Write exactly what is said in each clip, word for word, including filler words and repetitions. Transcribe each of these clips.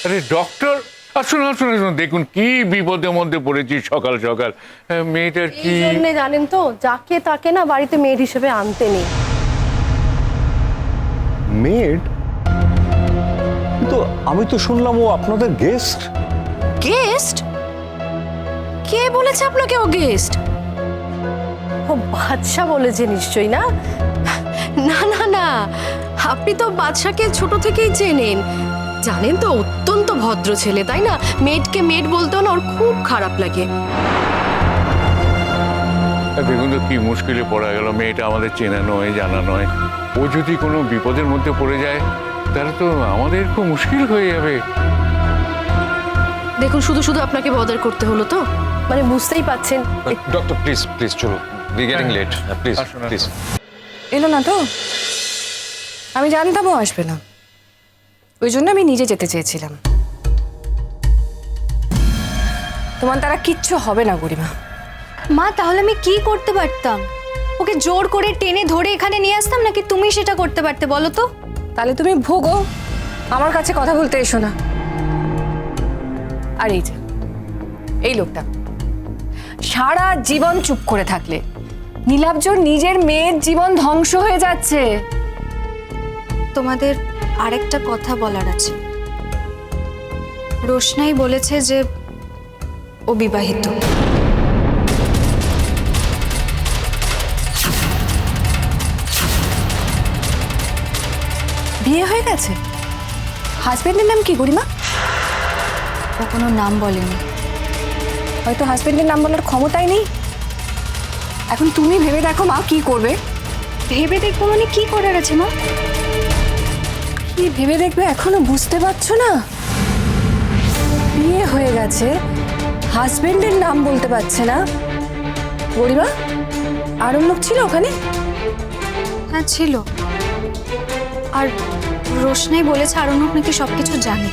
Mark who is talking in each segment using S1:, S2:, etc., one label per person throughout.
S1: আরে ডক্টর, আসুন আসুন আসুন, দেখুন কি বিপদের মধ্যে পড়েছি সকাল সকাল। মেয়েটার কি
S2: জানেন তো, যাকে তাকে না বাড়িতে মেয়ের হিসেবে আনতে নেই।
S3: মেড? কিন্তু আমি তো শুনলাম ও আপনাদের গেস্ট।
S4: গেস্ট? কে বলেছে আপনাকে ও গেস্ট?
S2: ও বাদশা বলেছে নিশ্চয়ই। না
S4: না না না, আপনি তো বাদশাকে ছোট থেকেই চেনেন, জানেন তো অত্যন্ত ভদ্র ছেলে, তাই না? মেডকে মেড বলতেও না ওর খুব খারাপ লাগে।
S1: দেখুন তো কি মুশকিলে পড়া গেল। মেয়েটা আমাদের চেনা নয়, জানা নয়। ও যদি কোনো বিপদের মধ্যে পড়ে যায় তাহলে তো আমাদের খুব মুশকিল হয়ে যাবে।
S4: দেখুন, শুধু শুধু আপনাকে বদার করতে হলো তো।
S2: মানে বুঝতেই পাচ্ছেন।
S5: ডক্টর প্লিজ প্লিজ চলো, উই গেটিং লেট, প্লিজ
S1: আসুন, আসুন।
S5: প্লিজ।
S6: এলো না তো? আমি জানতাম ও আসবে না, ওই জন্য আমি নিজে যেতে চেয়েছিলাম। তোমার দ্বারা কিচ্ছু হবে না গরিমা।
S7: মা, তাহলে আমি কি করতে পারতাম? ওকে জোর করে টেনে ধরে এখানে নিয়ে আসতাম, নাকি তুমি সেটা করতে পারতে বলো তো?
S6: তাহলে তুমি ভোগো, আমার কাছে কথা বলতে এসো না। আর এই যে এই লোকটা সারা জীবন চুপ করে থাকলে নীলাব্জর নিজের মেয়ের জীবন ধ্বংস হয়ে যাচ্ছে।
S7: তোমাদের আরেকটা কথা বলার আছে। রোশনাই বলেছে যে ও বিবাহিত।
S6: বিয়ে হয়ে গেছে? হাজবেন্ডের নাম কি গরিমা?
S7: ও কোনো নাম বলেনি।
S6: হয়তো হাজবেন্ডের নাম বলার ক্ষমতাই নেই। এখন তুমি ভেবে দেখো মা, কি করবে?
S7: ভেবে দেখবো মানে কি করার আছে মা?
S6: কি ভেবে দেখবে এখনো বুঝতে পারছো না? বিয়ে হয়ে গেছে, হাজবেন্ডের নাম বলতে পারছে না। গরিমা, আরও লোক ছিল ওখানে?
S7: হ্যাঁ ছিল। আর রোশনাই বলেছে আরণ্যক নাকি সবকিছু জানে।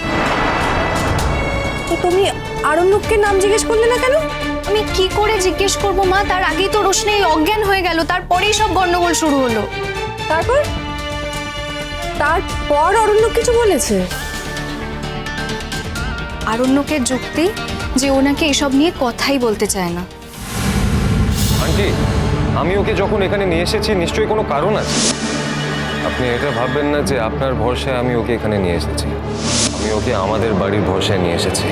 S6: তো তুমি আরণ্যককে নাম জিজ্ঞেস করলে না কেন?
S7: আমি কি করে জিজ্ঞেস করবো মা? তার আগেই তো রোশনাই অজ্ঞান হয়ে গেল, তারপরেই সব গন্ডগোল শুরু হলো।
S6: তারপর তারপর অরণ্য কিছু বলেছে?
S7: আরণ্যকের যুক্তি যে ও নাকি এসব নিয়ে কথাই বলতে চায় না।
S5: আন্টি, আমি ওকে যখন এখানে নিয়ে এসেছি নিশ্চয়ই কোনো কারণ আছে। আপনি এটা ভাববেন না যে আপনার ভরসায় আমি ওকে এখানে নিয়ে এসেছি। আমি ওকে আমাদের বাড়ির ভরসায় নিয়ে এসেছি।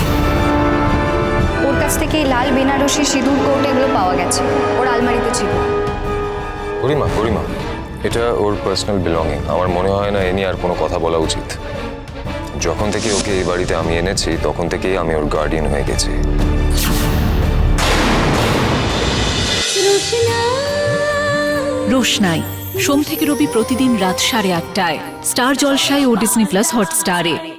S7: ওর কাছ থেকে এই লাল বেনারসি সিঁদুর কোট এগুলো পাওয়া গেছে, ওর আলমারিতে ছিল।
S5: গরিমা গরিমা এটা ওর পার্সোনাল বিলঙ্গিং। আমার মনে হয় না এ নিয়ে আর কোনো কথা বলা উচিত। যখন থেকে ওকে এই বাড়িতে আমি এনেছি তখন থেকেই আমি ওর গার্ডিয়ান হয়ে গেছি।
S8: রোশনাই সোম থেকে রবি প্রতিদিন রাত সাড়ে আটটায় স্টার জলসায় ও ডিজনি প্লাস হটস্টারে।